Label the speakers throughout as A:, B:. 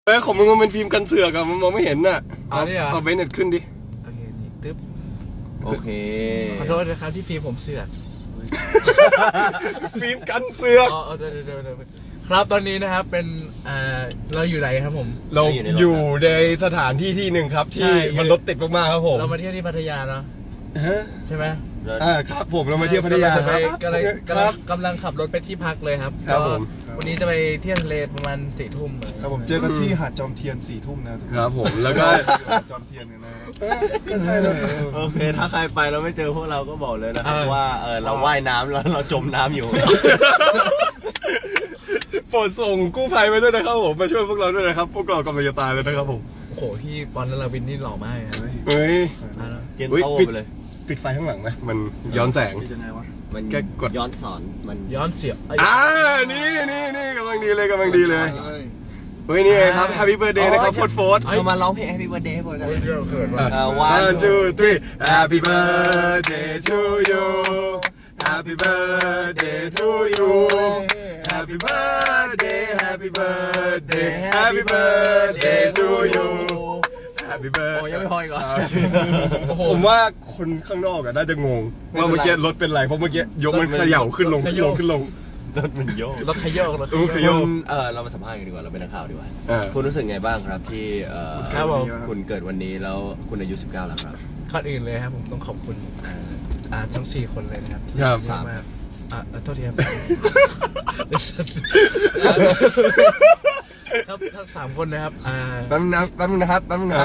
A: ของมึงมันเป็นฟิล์มกันเสือกอะมันมองไม่เห็นน่ะ เอาเบนเน็ตขึ้นดิ
B: โอเคนี่ตึ๊บ
C: โอเค
B: ขอโทษนะครับที่ฟิล์มผมเสือก
A: ฟิล์มกันเสือก
B: อ๋อเดี๋ยวครับตอนนี้นะครับเป็นเราอยู่ไหนครับผม
A: เราอยู่ในสถานที่ที่หนึ่งครับ
B: ใช่
A: ที่มันรถติดมากๆครับผม
B: เรามาเที่ยวที่พัทยาเนาะ
A: ฮะ
B: ใช่ไหม
A: ครับผมเรามาเที่ยวพัทยาครับ
B: กำลังขับรถไปที่พักเลยครับ
A: ครับผม
B: วันนี้จะไปเที่ยวทะเลประมาณ4 ทุ่ม
D: ครับผมเจอกันที่หาดจอมเทียน4 ทุ่มนะทุกคน
A: ครับผมแล้วก็
D: หาดจอมเทียนกันนะ
C: โอเค ถ้าใครไปแล้วไม่เจอพวกเราก็บอกเลยนะครับว่าเราว่ายน้ำแล้วเราจมน้ำอยู่
A: โปรดส่งกู้ภัยมาด้วยนะครับผมมาช่วยพวกเราด้วยนะครับพวกเรากำลังจะตายเลยนะครับผม
B: โอ้โหพี่ปอนด์ลาวินนี่หล่อมากเลยครับ
A: เฮ้ย
C: เกนโต้ไปเลย
A: ปิดไฟข้างหลังนะมันย้อนแสง
D: ยังไงวะ
C: มัน
A: แค่กด
C: ย้อนสอนมัน
B: ย้อนเสียบ
A: นี่กำลังดีเลยเฮ้ยนี่ไงครับ Happy Birthday นะครับโฟร์
C: เรามาร้องเพลง Happy Birthday ให้พวกกัน
B: เขินว่ะ
A: 1 2 3 Happy Birthday to you Happy Birthday to you Happy Birthday Happy Birthday Happy Birthday to you Happy
C: โอ้
A: Birthday
C: ยังไม่พออีกเหรอ
A: ผมว่าคนข้างนอกน่าจะงงว่าเมื่อกี้รถเป็นไรเพราะเมื่อกี้ยกมันเขย่าขึ้นลง
C: รถมันโยก
B: รถขยโยก
C: คุณเรามาสัมภาษณ์กันดีกว่าเราเป็นนักข่าวดีกว่าคุณรู้สึกไงบ้างครับที่
B: ครับผม
C: คุณเกิดวันนี้แล้วคุณอายุ19แล้วครับ
B: ก่อนอื่นเลยครับผมต้องขอบคุณทั้ง4 คนเลยนะครับ
A: ครับ
B: สามารถโทษทีครับครับทั้ง3 คนนะครับ
C: แป๊บนึงนะครับ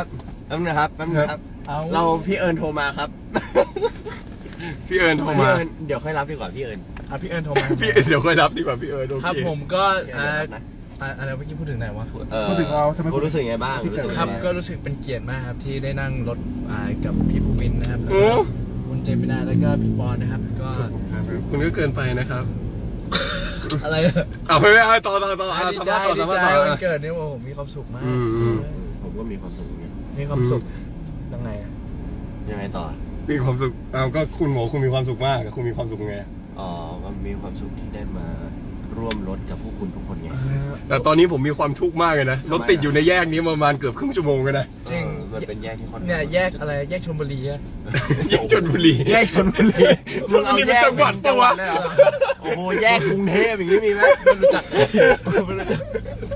C: เราพี่เอิญโทรมาครับ
A: พี่เอิญโทรมา
C: เดี๋ยวค่อยรับดีกว่าพี่เอิญ
B: พี่เอิญโทรมา
A: พี่เดี๋ยวค่อยรับดีกว่าพี่เอิญโอเค
B: ครับผมก็อะไรเมื่อกี้พูดถึงไหนวะ
D: พูดถึงเราทำไม
C: คุณรู้สึกไงบ้าง
B: ครับก็รู้สึกเป็นเกียรติมากครับที่ได้นั่งรถกับพี่ภูมินนะครับแล้ว
A: โอ้
B: ก็คุณเจมินาแล้วก็พี่ปอนนะครับก็
A: คุณก็เกินไปนะครับ
B: อะไร
A: ไม่ต่อ
B: ดีใจดีใจวันเกิดเนี่ยผมมีความสุขมาก
C: ผมก็มีความสุขเนี่ย
B: มีความสุขยังไง
C: ยังไงต่อ
A: มีความสุขก็คุณหมอคุณมีความสุขมากคุณมีความสุขไง
C: ก็มีความสุขที่ได้มาร่วมรถกับพวกคุณทุกคนไง
A: แต่ตอนนี้ผมมีความทุกข์มากเลยนะรถติดอยู่ในแยกนี้ประมาณเกือบครึ่งชั่วโมงเลยนะ
B: จริง
C: มันเป็นแยกที่ค่อนข้าง
B: เนี่ยแยกอะไรแยกชลบุรีอะ
A: แยกชลบุรี
C: แยกชลบุรี
A: ชลบุรีเป็นจังหวัดปะวะ
C: เลยเหรอโอ้โหแยกกรุงเทพอย่างนี้มีไหม
B: ไม่รู้จักไม่รู้จัก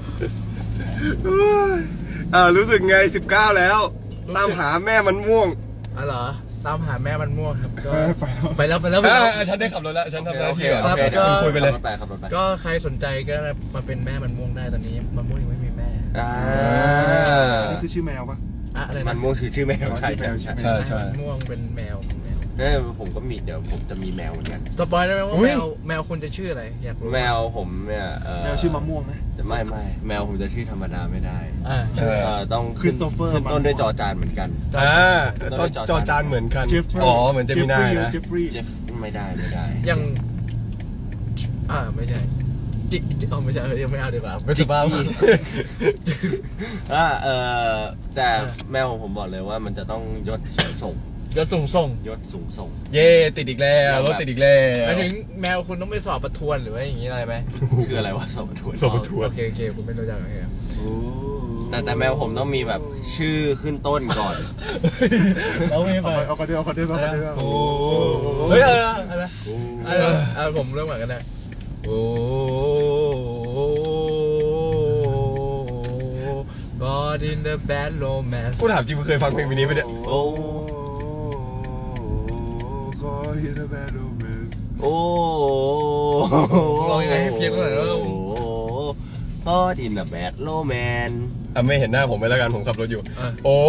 A: รู้สึกไง19แล้วตามหาแม่มันม่วง
B: เหรอตามหาแม่มันม่วงครับก็
D: ไปแล้ว
B: ไปแล้ว
A: ฉันได้ขับรถแล้วฉันทำหน้าที่
B: ครับ
A: เดี๋ยวคุยไปเลย
C: ขับรถไป
B: ก็ใครสนใจก็มาเป็นแม่มันม่วงได้ตอนนี้มันม่วงยังไม่มีแม่
D: นี่คือชื่อแมวปะ
B: อะไร
C: มั
B: นะ
C: นม่วงคือชื่อแมวใช่
B: มันม่วงเป็นแมว
C: ผมก็มีเดี๋ยวผมจะมีแมวเหมือนกัน
B: สปอยได้ไหมว่าแมวคุณจะชื่ออะไรอยากรู้
C: แมวผมเนี่ย
D: แมวชื่อมะม่วงนะ
C: ไม่แมวผมจะชื่อธรรมดาไม่ได้
B: ชื่อ
C: ต้องขึ้นต้นด้วยจอจานเหมือนกัน
A: จอจานเหมือนกัน
D: เจฟฟรี
A: เหมือนจะมีหน้านะ
D: เจฟฟรี
C: เจฟไม่ได้
B: ยังไม่ใช่จิกไม่ใช่ยังไม่เอาดีกว่าไม่ถูกบ้า
C: แต่แมวของผมบอกเลยว่ามันจะต้องยศสูงส่ง
B: ยศสูงส่ง
C: ยศสูงส่ง
A: เย่ติดอีกแล้วรถติดอีกแล้ว
B: หมายถึงแมวคุณต้องไปสอบประทวนหรือว่าอย่างนี้อะไรไหม
C: คืออะไรวะสอบประทวน
A: สอบประทวน
B: โอเคคุณไม่รู้จักโอเค
C: แต่แมวผมต้องมีแบบชื่อขึ้นต้นก่อน
B: เราไม่ไป
D: เอาคนเดียว
A: โอ้
B: เฮ้ยอะไรผมเริ่มก่อนกันได้โอ้ God in the bad romance
A: กูถามจริงมึงเคยฟังเพลงนี้ไหมเนี่ย
C: โอ้
D: ขอฮิตแบดโอเมน
C: โอ้
B: ร้องยังไงให้เพี้ยนหน่อยเริ่ม
C: พอดินอะแบดโลแมน
A: ไม่เห็นหน้าผมไปแล้วกันผมขับรถอยู่โอ้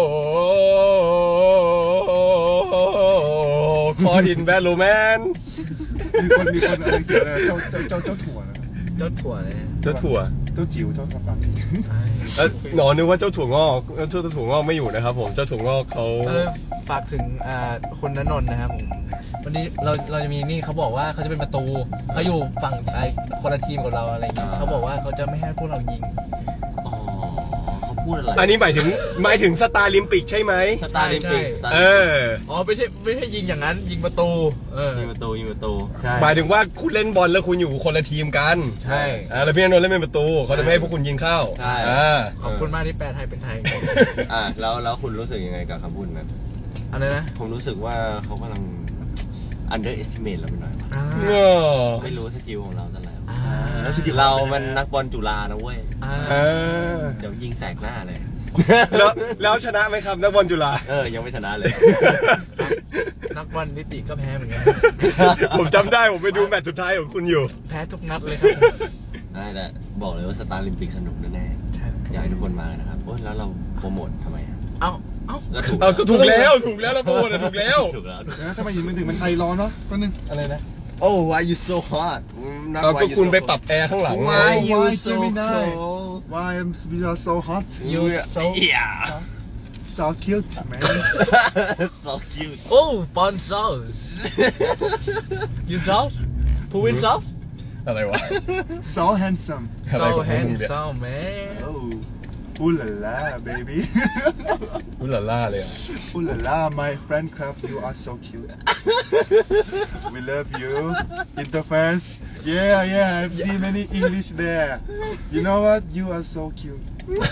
A: คอดินแบดโรแมน
D: มีคนอะไรเขียนอะไรเจ้าถั่วนะ
B: เจ้าถั่วเลย
A: เจ้าถั่ว
D: เจ้าจิ๋วเจ้าทำปากผี
A: หนอนึกว่าเจ้าถั่วงอกเจ้าถั่วงอกไม่อยู่นะครับผมเจ้าถั่วงอกเขา
B: ฝากถึงคุณณนนท์นะครับผมวันนี้เราจะมีนี่เขาบอกว่าเขาจะเป็นประตูเขาอยู่ฝั่งคนละทีมกับเราอะไรอย่างเงี้ยเขาบอกว่าเขาจะไม่ให้พวกเรายิง
C: อ๋อเขาพูดอะไร
A: อันนี้หมายถึงสตาร์ลิมปิกใช่ไหม
C: สตาร์ลิมปิก
A: เออ
B: อ๋อไม่ใช่ยิงอย่างนั้นยิงประตู
C: ยิงประตูใช่
A: หมายถึงว่าคุณเล่นบอลแล้วคุณอยู่คนละทีมกัน
B: ใช่
A: แล้วพี่อานนท์เล่นเป็นประตูเขาจะไม่ให้พวกคุณยิงเข้า
C: ใช่
B: ขอบคุณมากที่แปลไทยเป็นไทย
C: แล้วคุณรู้สึกยังไงกับคำพูดนั้น
B: อะไรนะ
C: ผมรู้สึกว่าเขากำลัง underestimate เราไปหน่อย
A: เออ
C: ไม่รู้สกิลของเราเท่าไหร่
D: เรา
C: เรามันนักบอลจุฬานะเว้ย
A: เออ
C: เดี๋ยวยิงแสกหน้าเลย
A: แล้วชนะไหมครับนักบอลจุฬา
C: ยังไม่ชนะเลย
B: นักบอลนิติก็แพ้เหมือนกัน
A: ผมจำได้ผมไปดูแมตช์สุดท้ายของคุณอยู่
B: แพ้ทุกนัดเลยครับ
C: ได้แต่บอกเลยว่าสตาร์ลิมปิกสนุกแน่
B: ใช่
C: ๆอยากให้ทุกคนมานะครับโอ้ยแล้วเราโปรโมททำไมอ่ะ
B: เอ้า
A: ก็ถูกแล้วแล้วโปรโมทถูกแล้ว
C: ถูกแล้ว
D: ถ้ามายินมันถึงมันไทยร้อนเนาะก็นึง
B: อะไรนะ
C: Oh why you so hot
A: ก็คุณไปปรับแอร์ข้างหลัง
C: Why you
D: Why
C: so
D: Gemini?
C: cold
D: Why we are so hot
B: You so
C: Yeah
D: so cute man
C: so cute
B: Oh fun sauce You sauce Who win sauce
A: อะไรวะ
D: so handsome
A: อะไร
B: So
A: ของมึงเนี่ย
B: handsome man
D: oh ooh la la baby
A: อุลาล่าเลยอ่ะ
D: ooh la la my friend club you are so cute we love you interfans yeah I've seen many English there you know what you are so cute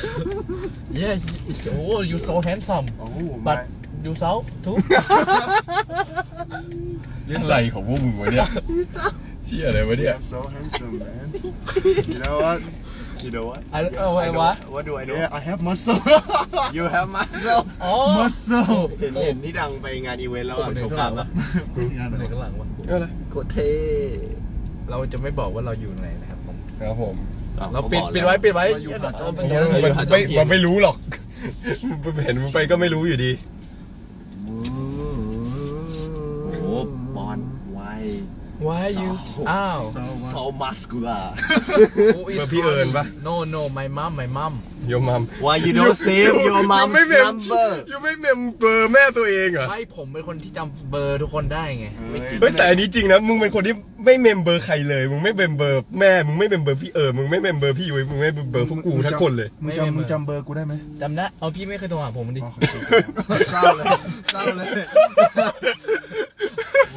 B: Yeah Oh you so handsome
D: oh
B: But
D: my
B: you so too
A: อะไรของพวกมึงวะเนี่ยเชี่ยอะไรวะเนี่ย
D: you're so handsome man you know what you know what
B: what
C: What do I do
D: yeah I have muscle
C: You have muscle
B: อ๋อ
D: muscle
C: เห็นที่ดังไปงานอีเวนต์แล้วอ่ะโชว์กล้ามปะ
D: งาน
B: ไหน
D: อะไร
B: ข้างหลังวะ
A: อะไร
C: โคตรเท่
B: เราจะไม่บอกว่าเราอยู่ไหนนะครับผม
A: ครับผม
B: เราปิดไว้
A: มันไม่รู้หรอกเห็นมึงไปก็ไม่รู้อยู่ดี
C: โอ้โหบอลไว
B: Why you อ้าว
C: so muscular
A: เบอร์พี่เอิญปะ
B: No my mom
A: โยมัม
C: Why you don't save your
A: ยัง
C: mom's
A: ไม่เมม
C: number
A: ยังไม่เมมเบอร์แม่ตัวเองเหรอ
B: ไม่ผมเป็นคนที่จำเบอร์ทุกคนได้ไง
A: เฮ้ยแต่อันนี้จริงนะมึงเป็นคนที่ไม่เมมเบอร์ใครเลยมึงไม่เมมเบอร์แม่มึงไม่เมมเบอร์พี่มึงไม่เมมเบอร์พี่ยุ้ยมึงไม่เมมเบอร์พวกกูทั้งคนเลย
D: มึงจำเบอร์กูได้ไหม
B: จำได้เอาพี่ไม่เคยโทรหาผมดิ
C: เศร้าเลยเศร้าเลยโอ้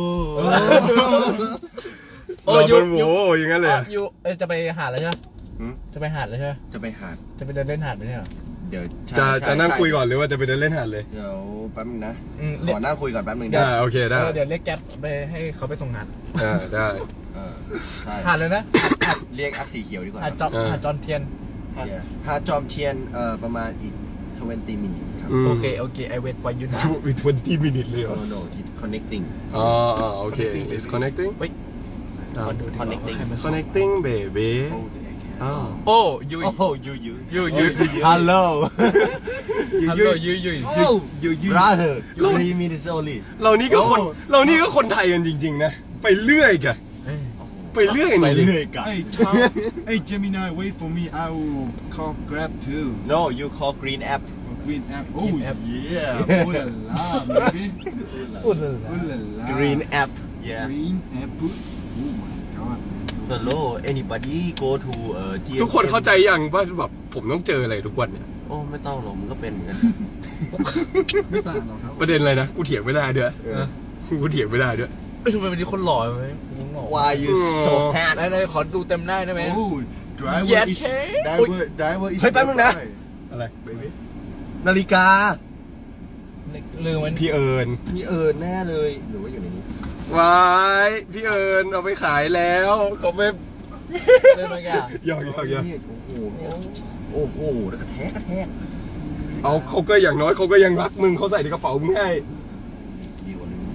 A: เราเป็นโว้อย่างนั้นเลยอะ
B: ยูจะไปหาดแล้วใช่ไหม
C: หืม
B: จะไปหาดแล้วใช่ไหม
C: จะไปหาด
B: จะไปเดินเล่นหาดไม่ใช่เหรอ
C: เดี๋ยว
A: จะนั่งคุยก่อนหรือว่าจะไปเดินเล่นหาดเลย
C: เดี๋ยวแป๊บนึงนะ
B: อืม
C: ขอนั่งคุยก่อนแป๊บนึง
A: ได้
C: ได้
A: โอเคได้
B: เดี๋ยวเรียกแก๊ปไปให้เขาไปส่งหาด
A: ได้
C: ใช่
B: หาดเลยนะ
C: เรียกแอปสีเขียวดีกว่า
B: หาดจอนเทียน
C: หาดจอมเทียนประมาณอีก20 มินิครับ
B: โอเคI wait for you now
A: 20 minutes เลยเหรอ
C: no it's connecting
A: อ๋อโอเค it's connecting
B: เฮ้ยขอดูดิ
C: Connecting
A: connecting baby อ้าว
B: โอ้ยู
C: Oh you
B: ยู
C: Hello
B: ฮัลโหลยู
C: Oh you brother 3 minutes only
A: เรานี่ก็คนไทยกันจริงๆนะไปเรื่อยแกไปเรื่อย
C: ไป
A: จริง
C: เรื่อยกัน
D: Hey Tom Hey Gemini wait for me I will call Grab too
C: No you call green app
D: Green app Oh
B: Green app.
D: yeah Ooh la la baby
B: พูดเลย
D: Ooh la la
C: green app yeah
D: Green app Oh my god
C: Hello anybody go to GMM
A: ทุกคนเข้าใจยังว่าแบบผมต้องเจออะไรทุกวันเนี่ย
C: โอ้ไม่ต้องหรอกมันก็เป็นเหมือนกัน
D: ไม่ต่างหรอกครับ
A: ประเด็นอะไรนะกูเถียงไม่ได้ด้วยกูเถียงไม่ได้ด้วย
B: ทำไมวันนี้คนหล่อไหมคนหล่อ
C: Why you so
B: ไหน
C: handsome
B: ขอดูเต็มหน้าได้ไหม
D: Oh driver
B: Yes,
D: is
B: hey.
D: driver is
C: เฮ้ยแป๊บนึงนะ
A: อะไร
D: baby
C: นาฬิกา
B: ลืมมัน
A: พี่เอิญ
C: พี่แน่เลยหรือว่าอยู่ในนี้
A: วายพี่เอิญเอาไปขายแล้วเขาไม่
B: ลืมมันแก
A: หยอก
C: โอ้โหแล้วกระแทก
A: เอาเขาก็อย่างน้อยเขาก็ยังรักมึงเขาใส่ในกระเป๋ามึงให้
C: ดีกว่าลืม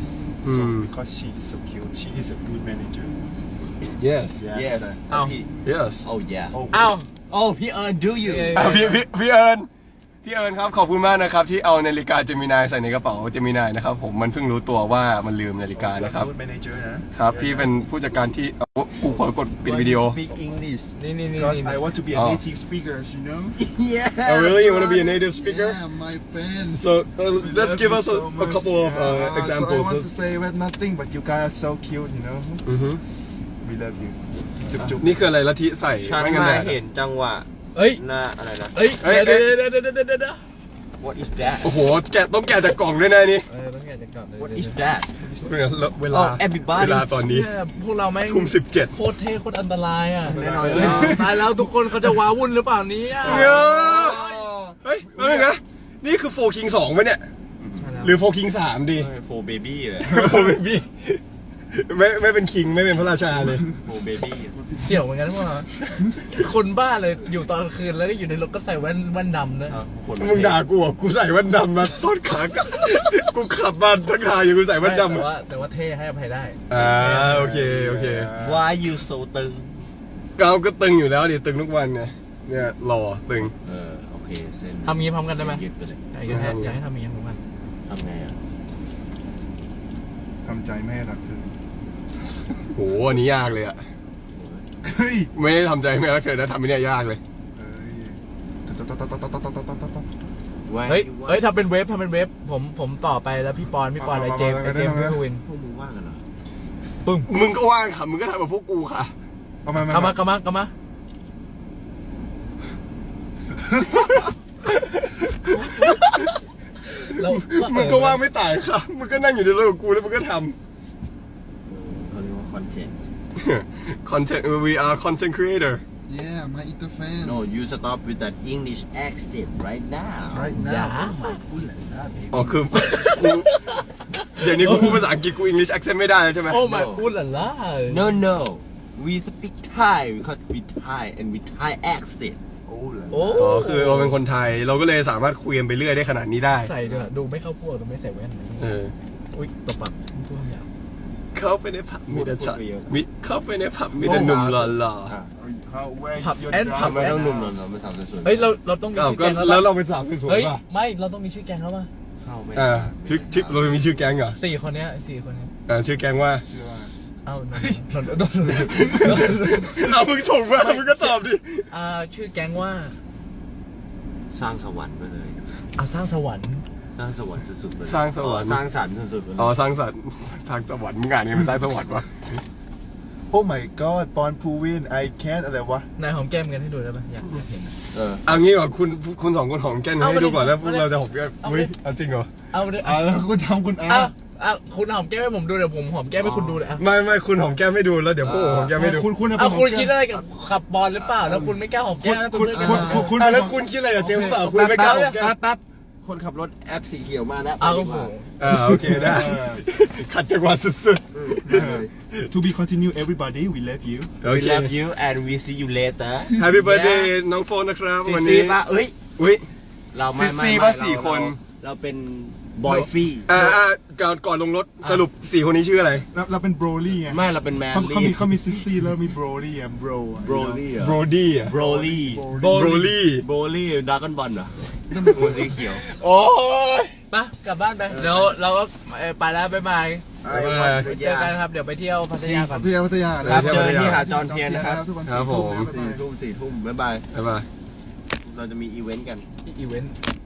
D: because she is so cute she is a good manager
A: yes
C: yes
B: อ้าว
A: yes
C: oh yeah
B: อ้าว
C: oh พี่do you
A: พี่เอิญครับขอบคุณมากนะครับที่เอานาฬิกาเจมินายใส่ในกระเป๋าเจมินายนะครับผมมันเพิ่งรู้ตัวว่ามันลืมนาฬิกานะครับ
D: good manager นะครับ
A: พี่เป็นผู้จัดการที่กูขอกดปิดวิดีโอ
C: speak English
B: นี่
D: because I want to be a
A: Oh.
D: native speaker you know
C: yeah
A: Oh really you want to be a native speaker
D: yeah my fans
A: so let's give us
D: so
A: a
D: much.
A: couple of
D: Yeah,
A: examples
D: so I want to say well, nothing but you guys are so cute you know
A: อือฮึ
D: we love you จุ๊บ
A: นี่คืออะไรละทิใส่
C: ฉัน
A: ไม่กัน
C: มา
A: แดด
C: เห็นจังหวะ
B: เอ้ย
C: หน้าอะไรนะ
B: เอ้ย
A: เอ้ย
B: เดี๋ยว
C: What is that
A: โอ้โหต้องแกะจากกล่องด้วยนะนี่
B: ต้องแกะจากก่อนเลย
C: What is that
A: เวลา
C: Oh, everybody
A: เวลาตอนนี้
B: เนี่ยพวกเราแม่ง
A: ทุ่ม17
B: โคตรเท่โคตรอันตรายอ่ะ
C: แน่นอน
B: เฮ้ยตายแล้วทุกคนเขาจะว้าวุ่นหรือเปล่าเนี้
A: เฮ้ยแล้วนึงนะนี่คือโฟคิง2ไหมเนี่ย หรือโฟคิง3ดี
C: โฟเบบี้เลย
A: โฟเบบี้ไม่เป็นคิงไม่เป็นพระราชาเลย
C: โฟเบบี้
B: เสี่ยวเหมือนกันพวกเราคนบ้าเลยอยู่ตอนกลางคืนแล้วก็อยู่ในรถก็ใส่แว่นดำด้วย
C: คน
A: มึงด่ากูอ่ะกูใส่แว่นดำมาต้นขากลับกูขับมาทั้งทางอยู่กูใส่แว่นดำ
B: แต่ว่าเท่ให้อภัยได้
A: โอเคโอเค
C: Why you so ตึง
A: ก้าวก็ตึงอยู่แล้วดิตึงทุกวันไงเนี่ยหล่อตึง
C: โอเคเส้น
B: ทำงี้พร้อมกันได้ไหม
C: เส้ยึดไปเลย
B: อยากให้ทำงี้พร้อมกัน
C: ทำไงอ่ะ
D: ทำใจไม่ให้รักเธอ
A: โหอันนี้ยากเลยอ่ะ
D: เฮ้ย
A: ไม่ได้ทำใจไม่รักเธอนะทำไม่ได้ยากเลย
B: เฮ้ยทำเป็นเวฟผมต่อไปแล้วพี่ปอนไอเจมพี่วิน
C: พวกมึงว่างกันเหรอ
B: ปึ้ง
A: มึงก็ว่างค่ะมึงก็ทำแบบพวกกูค่ะ
D: เอามา
B: กลับมาแล้ว
A: มึงก็ว่างไม่ต่างค่ะมึงก็นั่งอยู่ในรถกับกูแล้วมึงก็ท
C: เขาเรียกว่าคอนเทนต์
A: ำ content we are content creator
D: Yeah my inter fans
C: No you stop with that English accent right now
D: right now ooh la la baby
A: อ๋อคือกูเดี๋ยวนี้กูพูดภาษาอังกฤษกู English accent ไม่ได้แล้วใช่ไหม
B: โอ้ไม่พูดละล่ะ
C: No no we speak Thai because we Thai and we Thai accent
D: oh la
B: โอ้
A: อ๋อคือเราเป็นคนไทยเราก็เลยสามารถคุยกันไปเรื่อยได้ขนาดนี้ได้
B: ใส่ด้วยดูไม่เข้าพวกดูไม่ใส่แว่น
A: เออ
B: อุ้ยตบปากพูดคำหยาบ
A: เข้าไปในผับมีแต่ช็อตมิเข้าไปในผับมีแต่หนุ่มหล่อ
D: how where's
B: ผับ
D: your
B: แอนผับ
C: ทำไม
B: แอน
C: ต้องหนุ่มหล่อๆไม่สาวสวยๆ
B: เฮ้ยเราต้องมี
A: ๆอ้าว
B: ชื่อ
A: ก็
B: แก๊งแล้ว
A: แล้วเราเป็นสาวสวย
B: เฮ้ย
A: ๆป่ะ
B: ไม่เราต้องมีชื่อแก๊งแล้วป่ะ
C: เข้าไม่
A: อ่า
C: ได้
A: ชื่อเรามีชื่อแก๊งเหรอ
B: 4 คนเนี้ย4 คนเนี้ย
A: ชื่อแก๊งว่า
B: เอ้านน
A: เอามึงส่งมามึงก็ตอบดิ
B: ชื่อแก๊งว่า
C: สร้างสวรรค์ไปเลย
B: สร้างสวรรค์
C: สร้างสวรรค์สุดๆไปเลย
A: สร้างสวรรค์
C: สร้างสรรค์สุดๆไปเลย
A: อ๋อสร้างสรรค์สร้างสวรรค์มึงอ่านไงเป็นสร้างสวรรค์วะ
D: oh my god ปอนพูวิน I can't อะไรวะ
B: นายหอมแก้มกันให้ดูได้ป่ะอยากเห็น
A: เอางี้ก่อนคุณสองคนหอมแก้มให้ดูก่อนแล้วพวกเราจะหอมแก้ม
B: เอาไป
A: เฮ้ยเอาจริงเหรอ
B: เอาเลย
D: แล้วคุณทำคุณอา
B: คุณหอมแก้มให้ผมดูเดี๋ยวผมหอมแก้มให้คุณดูเลย
A: ไม่คุณหอมแก้มให้ดูแล้วเดี๋ยวพวกผมหอมแก้มให้ดู
D: คุณ
B: คุณคิดอะไรกับขับบอลหรือเปล่าแล้วคุณไม่กล้าหอมแก้มนะ
D: คุณ
A: แล้วคุณคิดอะไรกับเจมส์เปล่าคุณไม่กล้าหอมแก้ม
C: แป๊บคนขับรถแอปสีเขียวมาแล้ว
B: เอา
C: ไป
B: โอ้
C: ดี
B: โห
C: กว่า
A: โอเคได้ขัดจังหวะสุด
D: to be continue everybody we love you
A: ๆโอ
C: We
A: เค
C: love you and we see you later
A: Happy birthday น้องโฟนนะครับ
C: ซี
A: วัน
C: ซี
A: นี้
C: ป่ะเอ้ย
A: อุ้ย
C: เราไม่
A: ซี
C: ไม่
A: ป่ะ
C: ไม่
A: สี่คน
C: เราเป็นบอยฟี่
A: ก่อนลงรถสรุป4 คนนี้ชื่ออะไร
D: เราเป็น broly ไง
C: ไม่เราเป็นแมน
D: เขามีซิซี่แล้วมี broly อ่ะ bro
C: โบรลี่
A: โบรดี้อ่ะ
C: โบรลี่
A: โบรลี่
C: โบรลี่ดราก้อนบอลเหรอตัวสีเขียว
A: โอ้ย
B: ไปกลับบ้านไปเดี๋ยวเราก็ไปแล้วบ๊ายบาย เจอกันครับเดี๋ยวไปเที่ยวพัทยาก่อน
D: พัทยา
C: ครับเจอที่หาดจอห์นเทียนนะครับ
D: ทุกวัน
A: ครับผม
C: 4 ทุ่มบ๊ายบาย
A: บ๊ายบาย
C: เราจะมีอีเวนต์กัน
B: อีเวนต์